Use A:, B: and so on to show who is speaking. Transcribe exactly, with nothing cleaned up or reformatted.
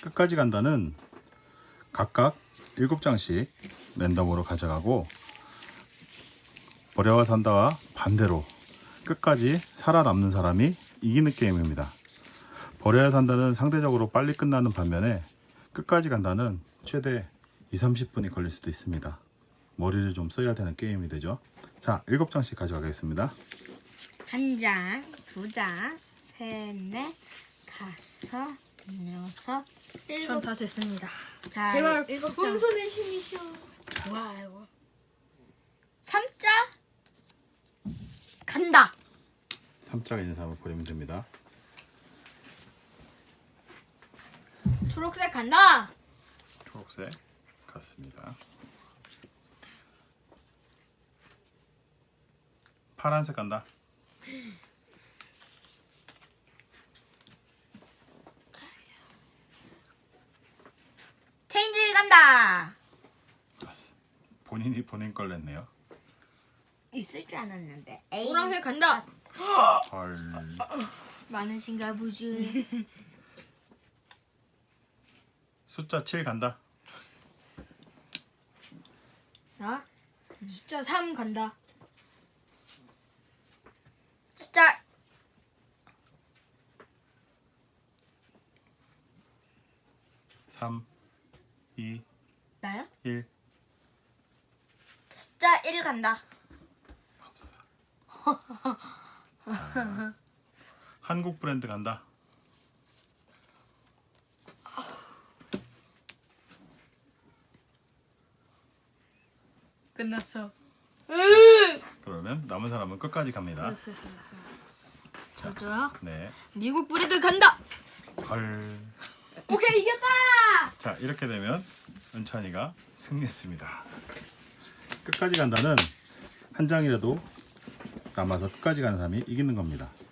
A: 끝까지 간다는 각각 일곱 장씩 랜덤으로 가져가고, 버려야 산다와 반대로 끝까지 살아남는 사람이 이기는 게임입니다. 버려야 산다는 상대적으로 빨리 끝나는 반면에 끝까지 간다는 최대 이삼십 분이 걸릴 수도 있습니다. 머리를 좀 써야 되는 게임이 되죠. 자, 일곱 장씩 가져가겠습니다.
B: 한 장, 두 장, 셋, 넷, 다섯, 여섯, 일곱.
C: 전 다 됐습니다.
B: 자,
C: 제발
B: 일곱 장.
C: 은손의 힘이셔.
B: 와, 이거. 삼 장 간다.
A: 삼 장에 있는 사람을 버리면 됩니다.
C: 초록색 간다.
A: 초록색 갔습니다. 파란색 간다.
B: 체인지 간다.
A: 본인이 본인 걸 냈네요.
B: 있을 줄 알았는데. 에이.
C: 노란색 간다.
A: 헐.
C: 많으신가 보지.
A: 숫자 칠 간다.
C: 나 숫자 삼 간다.
B: 숫자
A: 삼, 이,
B: 나요?
A: 일.
B: 숫자 일 간다.
A: 자, 한국 브랜드 간다.
B: 끝났어.
A: 그러면 남은 사람은 끝까지 갑니다.
C: 저도요.
A: 네.
C: 미국 브레드 간다.
A: 헐.
C: 오케이 이겼다.
A: 자, 이렇게 되면 은찬이가 승리했습니다. 끝까지 간다는 한 장이라도 남아서 끝까지 가는 사람이 이기는 겁니다.